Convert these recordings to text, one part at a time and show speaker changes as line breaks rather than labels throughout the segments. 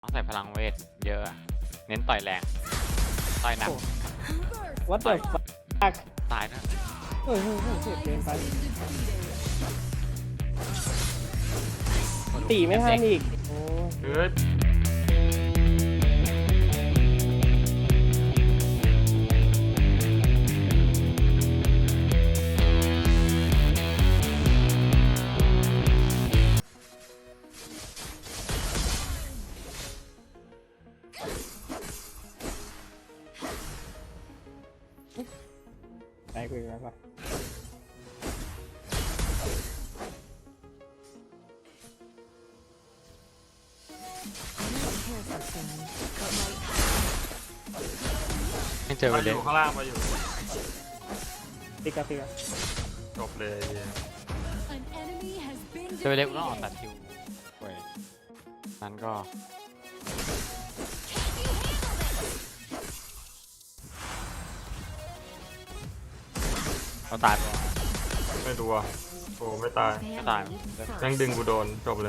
ต้องใส่พลังเวทเยอะอะเน้นต่อยแรงต่อยหนัก
วัดเดอร์ฟัก
ตายนะ
เฮ้ยเจ็บเกินไปตีไม่ทันอีกโอ้ย
เฮ้ย
ตายกูอีกแล้วป่ะ
ไม่เจอไป
มาอ
เลย
ยู่ข้างล่างมาอยู่
ปิกาปิกา
จบเลยเนี่ย
เจอไปเลยกูต้องออกตัดคิวเว้ยนั้นก็เราตายไป
ไม่ดูอ่ะโอ้ไม่ตาย
ไม่ตาย
แม่งดึงกูโดนจบเลย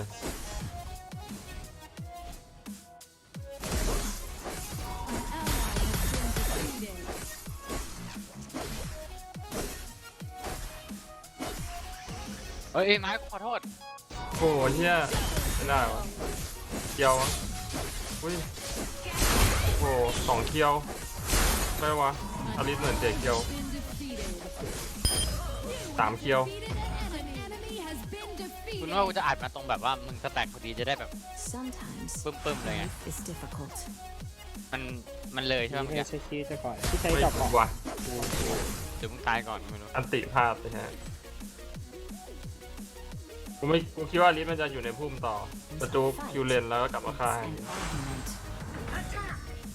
เอ้ยไม้ขอโทษ
โอ้เฮียไม่ได้วะเคียววะอุ้ยโอ้2 เคียวไม่วะอลิสเหมือนเจ็ดเคียว3 เคียว
คุณว่ากูจะอัดมาตรงแบบว่ามึงสแต็กพอดีจะได้แบบ
Sometimes
ปึ้มๆเลยไง
life is difficult.
มันเลยใช่ไหม
ไม่
เมื่อกี้
ใช่ชีวิตจะก่อนที่ใช้
ไม่
จับ
รู้
เกาะ
ว่ะ
เดี๋ยวมึงตายก่อนไม่รู้
อันติพลาดเลยฮะกูคิดว่าอลิสมันจะอยู่ในพุ่มต่อประจูคิวเลนแล้วก็กลับมาฆ่า
It's
ให้
an argument.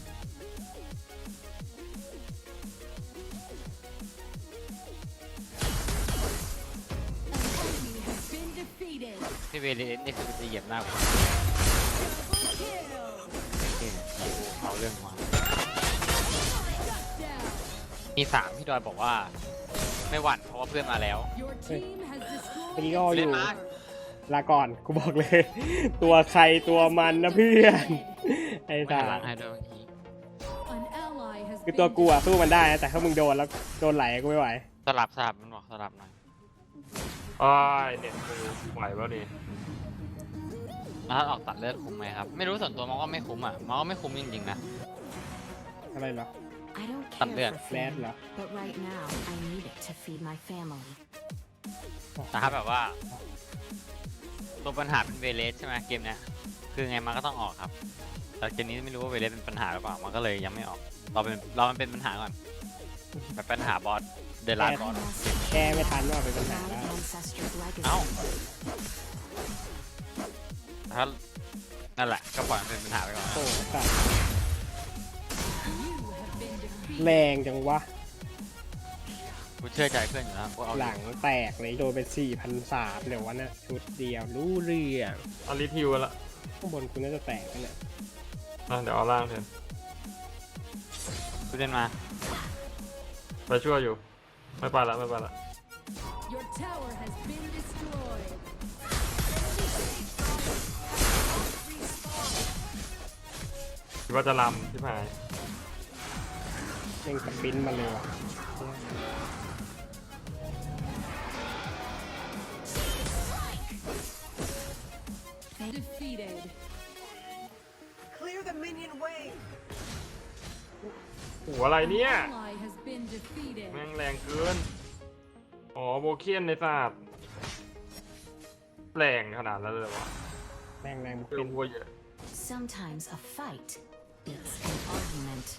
พี่เวเลสนี่คือจะเหยียบหน้ากูเอาเรื่องมามี3พี่ดอยบอกว่าไม่หวั่นเพราะว่าเพื่อนมาแล้ว
ปริโออ
เล่น
ยู่
มา
ลาก่อนกูบอกเลย ตัวใครตัวมันนะเพื่อนไอ้
ไม่
ตา
หันหลังให้ด้วยเมื่อกี้
คือตัวกูอะสู้มันได้นะแต่ถ้ามึงโดนแล้วโดนไหลกูไม่ไหว
สลับมันบอกสลับหน่อย
อ้ายเน็ตกูไหววะนี่
แล้วถ้าออกตัดเลือดคุ้มไหมครับไม่รู้ส่วนตัวมองว่าไม่คุ้มอ่ะมองว่าไม่คุ้มจริงๆนะ
อะไรเหรอ
I don't
Tạm
care
biệt.
for
แรด
food,
เหรอ
but right now I need it to feed my family.
แต่ถ้าแบบว่าตัวปัญหาเป็นเวเลสใช่ไหมเกมเนี้ยคือไงมันก็ต้องออกครับแต่เกมนี้ไม่รู้ว่าเวเลสเป็นปัญหาหรือเปล่ามันก็เลยยังไม่ออกเรามันเป็นปัญหาก่อนแบบปัญหาบอสเดลา
I
บอส
must
แก้ไม่ทันว่าเป็นปัญหา
proud
แล้ว
ancestors' legacy.
เอ้าถ้านั่นแหละก็ปล่อยมันเป็นปัญหาไปก่อน
โอ้สัตว์แรงจังวะ
กูเชื่อใจเพื่อนอยู่แล้วกูเอา
หลังแตกเลยโดนไป4,300เดี๋ยววันน่ะชุดเดียวรู้เรื่อง
อลิสฮิวละ
ข้างบนคุณน่าจะแตกกันเนี่ย
เดี๋ยวเอาล่างเถอะ
กูเล่นมา
ไปช่วยอยู่ไม่ไปละไม่ไปละ
Your tower has been destroyed.
คิดว่าจะลำที่หาย
เร่งสปินมาเลยว่ะ
Defeated.
Clear the minion way.
โอ้อะไรเนี่ย
Ally has been defeated.
แม่งแรงเกินอ๋อโบเคียนในศาสตร์แรงขนาดนั้นเลยวะ
แรงแรงบุก
เพื่อ
เป็น
วัวเยอะ
Sometimes a fight beats an argument.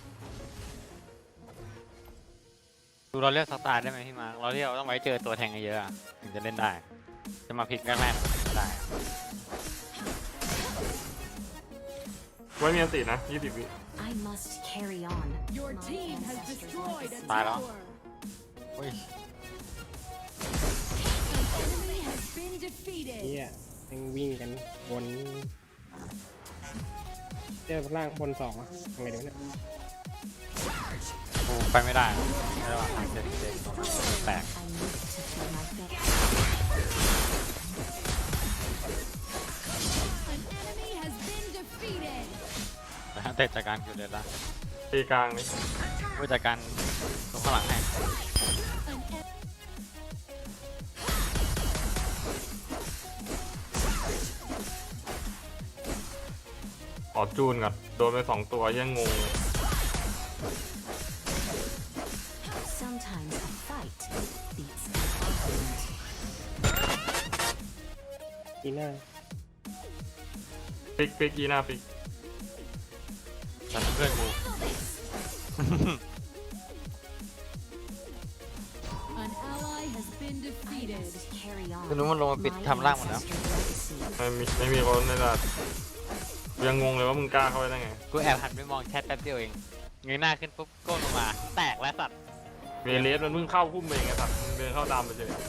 ดูเราเลือกสไตล์ได้ไหมพี่มาร์คเราเรียกต้องไว้เจอตัวแทงเยอะๆอะถึงจะเล่นได้ จะมาพลิกแรกๆไม่ได้
ไว้มีอันตินะ20 วิ
I must carry on.
Your
my
team has
ancestors'
destroyed a
legacy.
Bye, Lo.
tower.
เฮ้ย
Enemy has been defeated.
เนี่ยยังวิ่งกันบนเจอล่างบน2อ่ะทำไงดีวะเนี่ย
กูไปไม่ได้ไม่ได้ว่าทางเจ็ดตรงนั้นแตก
I need it to feed my family.
An enemy has been defeated.
แต่จากการคือเดินละ
ตีกลางนี่
ผู้จัดการตรงข้างหลังให้
ขอจูนก่อนโดนไป2 ตัวยังงงเลย
Sometimes a fight beats an argument.
อีน่า
ปิกอีหน้าปิก
แต่เพื่อนกู
An ally has been defeated.
Carry on.
คือนู้นมันลงมาปิดทำร่างหมดแล้ว
ไม่มีคนในระดับยังงงเลยว่ามึงกล้าเข้าไปได้ไง
กูแอบหันไปมองแชทแป๊บเดียวเองเงยหน้าขึ้นปุ๊บก้มลงมา แตกแล้วสัตว์
เวเลสมันเพิ่งเข้าพุ่มเองไงครับมึงเดินเข้าตามไปเฉย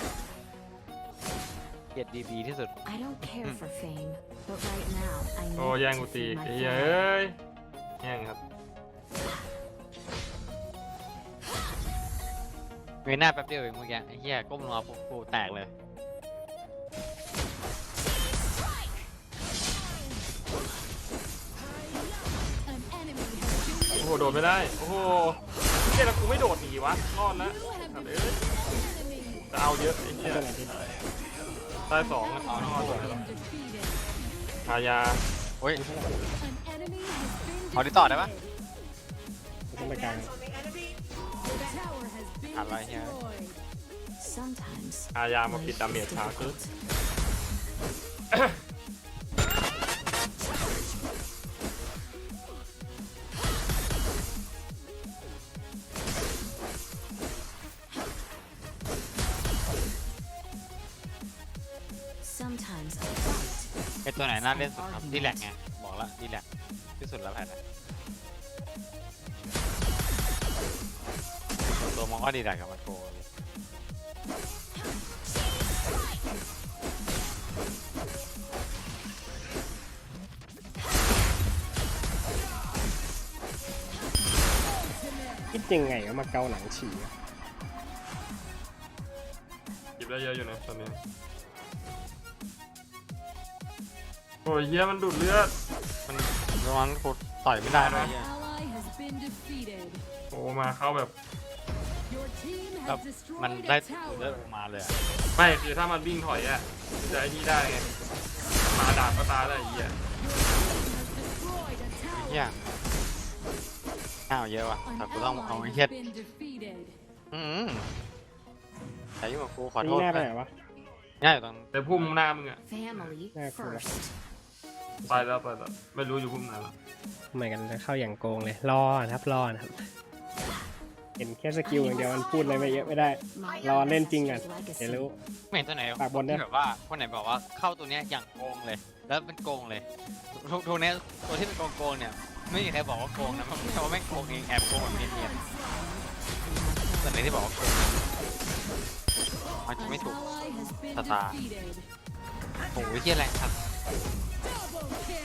เกลียดดีที่สุด
I don't care for fame, but right now I
โอ้
need
แย่ง
to
กูตี
feed my
ไอ้เหี้ย
family.
เอ้ยแย่งครับ
เงยหน้าแป๊บเดียวเองเมื่อกี้ไอ้เหี้ยก้มลงมาปุ๊บกูแตกเลย
An enemy has been
โอ้โหโดดไม่ได้โอ้โหเหี้ยแล้วกูไม่โดดหนีวะรอดนะ
You have
สัตว์
defeated
เอ้ย
an enemy.
จะเอาเยอะไอ้
ไม่
เหี้ย
เป็นไรที่
ได้2อ่ะเอาเอาตัวไหน
Been
วะ
defeated.
หายา
โอ้ย
An enemy has been
เอาดิต่อได้ปะ
ไม่ต้องไปกลาง
Hands on the enemy.
Your tower has been
I like here.
destroyed.
Sometimes
หายามา
life
ปิด
is
ดาเมจช้าขึ้น
difficult. Sometimes a fight
ไอตัวไหนน่าเล่นสุดครับดีแลกไงบอกแล้วดีแลกที่สุดแล้วแผ่นนะตัวมองก็ดีแลกกับมันโกเลย
คิดยังไงว่ามาเกาหลังฉี่อะ
หยิบได้เยอะอยู่นะตอนนี้โอ้ยเหี้ยมันดูดเลือด
มันระวังกูต่อยไม่ได้ด้วย
An
เหี้ย
ally has been defeated.
โอ้มาเข้าแบบ
Your team
แบบ
has
มัน
destroyed
ได้
a
เลือด
tower.
ออกมาเลยอะ
ไม่คือถ้ามันวิ่งถอยอะจะไอ้นี่ได้ไงมาดาบก็ตายได้ไอ้เหี้ย
Destroyed a
เหี้ย
tower.
ข้าวเยอะว่ะแต่
An
กูต้องเอา
ally
ไอ้
has
เหี้ย
been defeated.
แต่ยุ่งกับกูขอโท
นี่
ษ
หน้าไปไหนวะ
ง่ายอยู่ตรง
แต่พุ่มหน้ามึงอะ
family
Yeah, cool.
first.
ไปแล้วไม่รู้อยู่พุ่มไหนละ
เหมือนกันจะเข้าอย่างโกงเลยรอนะครับรอนะครับ เห็นแค่สกิลอย่างเดียวมันพูดอะไรไม่เยอะไม่ได้
My
รอเล่นจริงก่อน
legacy.
เดี๋ยวรู้
ไม่เห็นตัวไหน
ปากบนด้วย
ที่แบบว่าคนไหนบอกว่าเข้าตัวเนี้ยอย่างโกงเลย แล้วเป็นโกงเลยทุกเนี้ยตัวที่เป็นโกงเนี่ยไม่มีใครบอกว่าโกงนะมันไม่ใช่ว่าแม่งโกงเองแอบโกงแบบเนียนๆแต่ไหนที่บอกว่าโกงมันจะ
An
ไม่ถูก
ally has been
Ta-ta.
defeated.
โอ้ยเฮียแรงครับ
Double kill.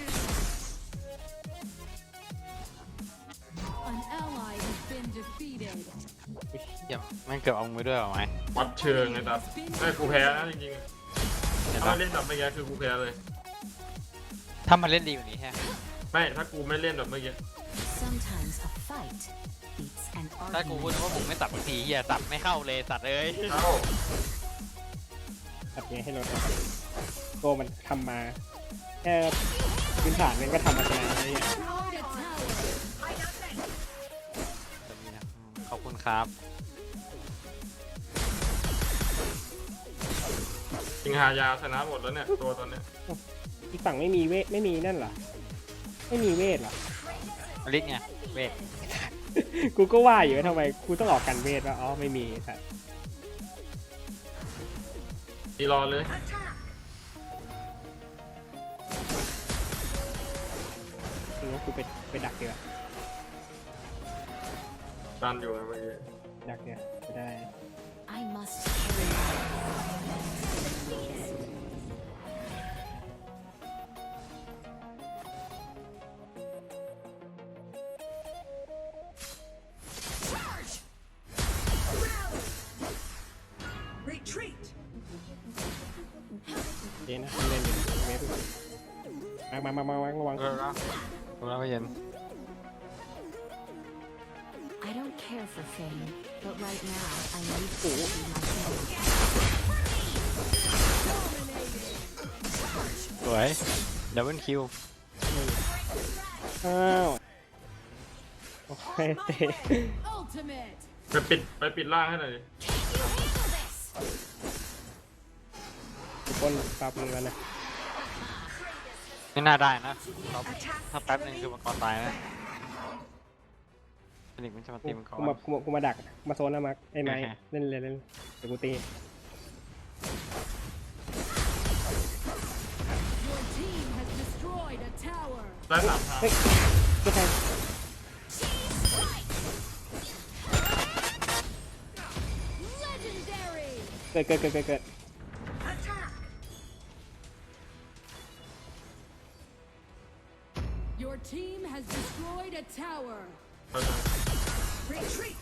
An ally has been defeated.
เฮียแม่งเกือบเอามือด้วยเหรอไหม
วัดเชิงไงตัดไม่กูแพ้นะจริง
เห็น
ๆถ้า
ปะ
ไม่เล่นแบบเมื่อกี้คือกูแพ้เลย
ถ้ามันเล่นดีกว่านี้แฮะ
ไม่ถ้ากูไม่เล่นแบบเมื่อกี้
Sometimes a fight beats an
ถ้ากูพูด
argument.
ว่าผมไม่สับบางทีเฮียสับไม่เข้าเลยสัตว์เอ้ย
เอ้า
ตัดเงี้ยให้รถโกมันทำมาแค่พื้นฐานมันก็ทำมาชนะอะไรอย่างเงี้ย
Destroyed a tower.
ขอบคุณครับ
จริงหายาชนะหมดแล้วเนี่ยตัวตอนเนี้ย
อีกฝั่งไม่มีเวทไม่มีนั่นเหรอไม่มีเวทเหรอ
อลิสไงเวท
กูก็ว่าอยู่ว่าทำไมกูต้องออกกันเวทวะอ๋อไม่มีครับ
ตีรอเลย
คือว่ากูไปดักเดียวา
ดันอยู่นะเมื่อกี้
ดักเดียวไม่ได้
I must carry on.
Retreat.
เจ๊นะเล่นอยู่เวทมาวาง
เออแล้วดูแล้วก็เย็น
I don't care for fame, but right now I need to see my family.
สวยดับเบิลคิว
อ้าวโอเคเตะ
Ultimate.
ไปปิดล่างให้หน่อยดิ
ทุกคนปรับมือกันนะ
ไม่น่าได้นะถ้าแป๊บนึงคือมังกรตายนะฟินิกซ์มันจะมาตีมังกร
กูมาดักมาโซนแล้วมาไอ้ไม้
โอเค
เล่นเลยเล่นเดี๋ยวกูตี
Your team has destroyed a tower.
ได้3 ทาง
เฮ้ยไม่ใช่
Legendary.
เกิด
Attack!
Your team has destroyed a tower.
เข้าใจ
Retreat!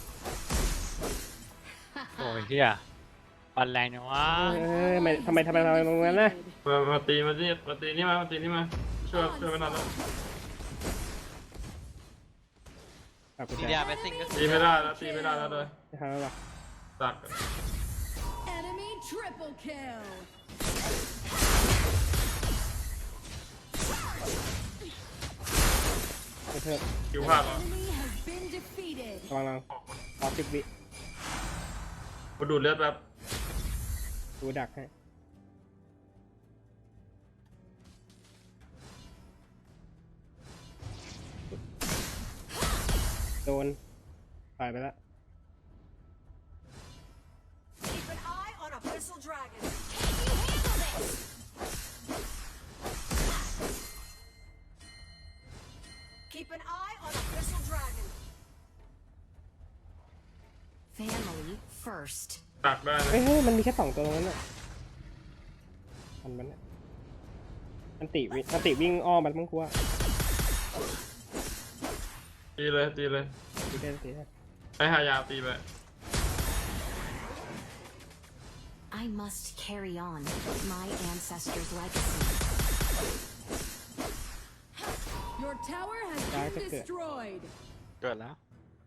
โอ้ยเฮียปันแรงจังวะ
ทำไมตรงนั้นนะ
มาตีนี่มาช่วยไม่นานแล้ว
ปรับกู
ที
จะ
เดียเบสซิ่งก็
ตีไม่ได้แล้วเลย
จะทำแล้วหรอ
ตัก
Enemy triple kill.
เพิ่ม
คิวพลาดแล้ว
Enemy has been defeated.
ระวังรอ10 วิ
มาดูดเลือดแบบ
ดูดักให้โดนปล่อยไปแล้ว
Keep an eye on Abyssal Dragon. Keep an eye on Abyssal Dragon.
Family first.
ตักได้นะ
เฮ้ยมันมีแค่2 ตัวตรงนั้นน่ะมันเนี่ยอันติวิ่งอ้อมมันมั้งกูว่า
ตีเลย
ตีได้
ให้หายาตีไป
I must carry on my ancestors' legacy.
Your tower has
Dark
been
is good.
destroyed.
เกิดแล้ว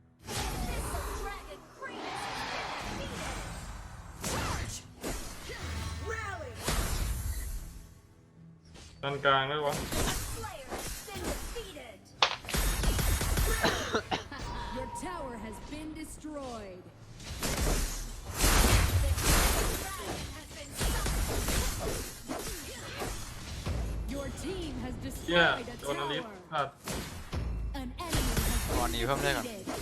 Rally!
ด้านกลางได้วะ
Slayer has been defeated.
Your tower has been destroyed. Your team has
เหี้ย
destroyed a
โดนอลิฟ
tower.
พลาด
An enemy has
ก่อนหนีเพิ่มได้ก่อน
defeated.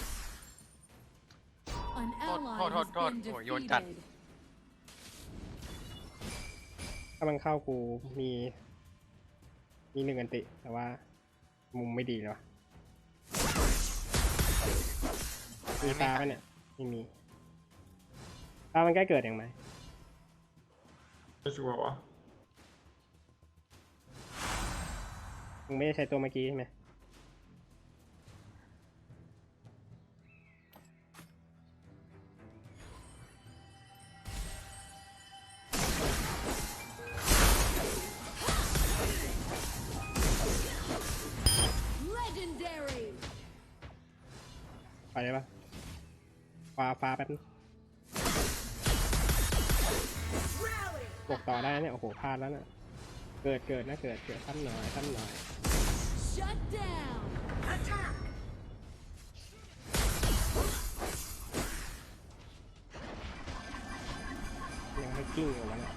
An ally
Hold,
has been
โอ้ยโยนจัด
defeated.
ถ้ามันเข้ากูมี1 อันติ แต่ว่ามุมไม่ดีเลยวะมีตาปะเนี่ยไม่มีตามันใกล้เกิดยังไหม
ไม่ชัวร์วะ
มึงไม่ได้ใช้ตัวเมื่อกี้ใช่ไหม
Legendary.
ไปได้ปะฟ้าแป๊บนึง
Rally!
บวกต่อได้นะเนี่ย โอ้โหพลาดแล้วน่ะ เกิดท่านหน่อย
Shut down.
Attack!
ยังไม่กิ้งอยู่วะเนี่ย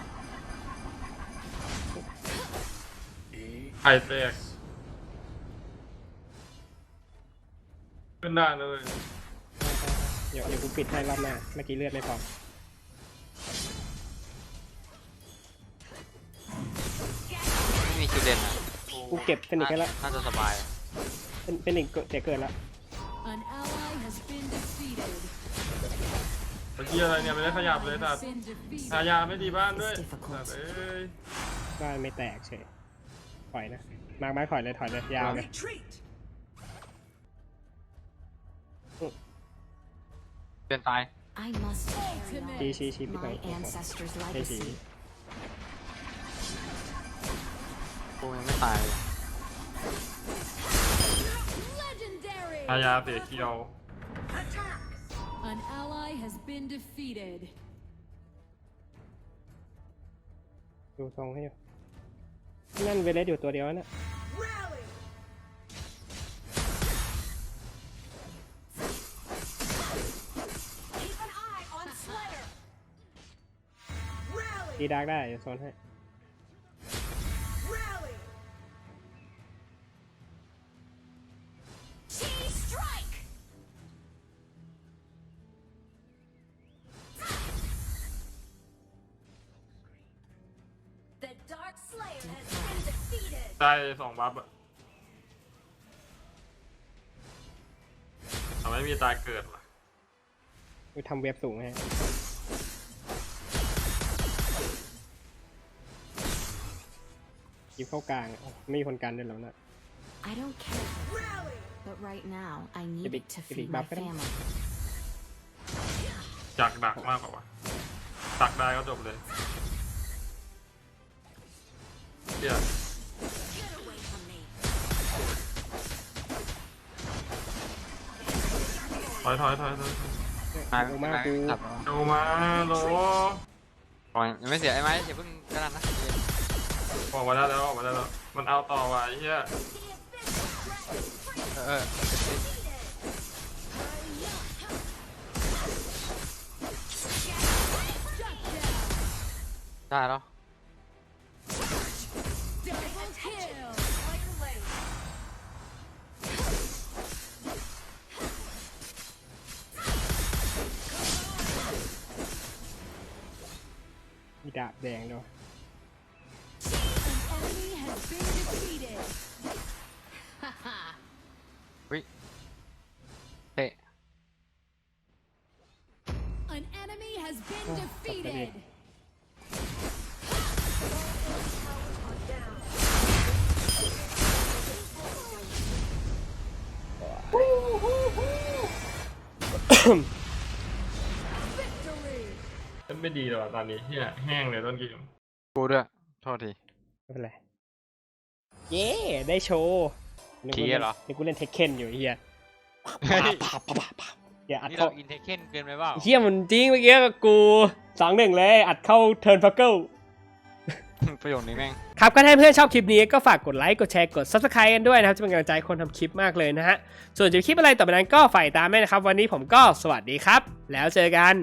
ไข่แตกขึ้นได้เลย
เดี๋ยวกูปิดให้รอบหน้า เมื่อกี้เลือดไม่พอ
ไม่มีคิวเด่นอ่ะ
กูเก็บเฟนิกซ์ให้แล้ว
น่าจะสบาย
เฟนิกซ์เกิดแล้ว
An ally has been defeated.
เมื่อกี้อะไรเนี่ยไม่ได้ขยับเลยสัต
Been defeated.
หายาไม่ดีบ้านด้วยสัตว์เอ้ย
บ้านไม่แตกเฉยถอยนะ มาร์คไม้ถอยเลยยาวเลย
Retreat!
เปลี่ยนตาย
I must carry on
ชี้ไป
my ancestors'
ใช่ชี้
legacy.
กูยังไม่ตายเลย
อายาเสียเคียว
Attack!
An ally has been defeated.
ดูทรงให้อยู่นั่นเวเลสอยู่ตัวเดียวนะ
Rally! Keep an eye on Slayer! Rally!
ตีดาร์กได้เดี๋ยวโซนให้
Rally! Chain strike! The Dark Slayer has been defeated!
ได้2 บัฟอะแต่ไม่มีตายเกิดว่ะ
กูทำเว็บสูงให้ยิบเข้ากลางอ่ะไม่มีคนกันด้วยแล้วนะ
I don't care for fame,
Rally!
but right now I need
Big-
it to
big
feed my
buff kan?
family.
จักดักมากกว่าวะดักได้ก็จบเลยเดี๋ยว
Get away from me!
ถอย
มา
กูมากกู
จับ
ดูมาโหล
ก่อนยังไม่เสียไอ้ไม้อย่าเพิ่งกระนั้นนะ
ออกมาได้แล้วมันเอาต่อว่ะไอ้เหี้ย
The invisible dragon
เออ ได้แล้ว
Double kill.
Slayer Lane!
มีดาบแดงด้วย
An enemy has been defeated.
เฮ้ย
An enemy has been
Oh,
defeated. Victory.
ไม่ดีเลยว่ะตอนนี้เหี้ยแห้งเลยต้นเกม
กูด้วยโทษที
ไม่เป็นไร เย้ได้โชว์นึก
ที
ว่า
เหรอ
นึกว่าเล่นเทคเคนอยู่ไอ้เฮีย
เฮ้ย
อย่าอัด
นี่
เข้า
เราอินเทคเคนเกินไปเปล่า
เฮียมันจริงเมื่อกี้กับกู2-1เลยอัดเข้าเทิร์นฟักเกิล
ประโยคนี้แม่ง
ครับก็ถ้าเพื่อนชอบคลิปนี้ก็ฝากกดไลค์กดแชร์กด Subscribe กันด้วยนะครับจะเป็นกำลังใจให้คนทำคลิปมากเลยนะฮะส่วนจะมีคลิปอะไรต่อไปนั้นก็ฝ่ายตามแม่นะครับวันนี้ผมก็สวัสดีครับแล้วเจอกัน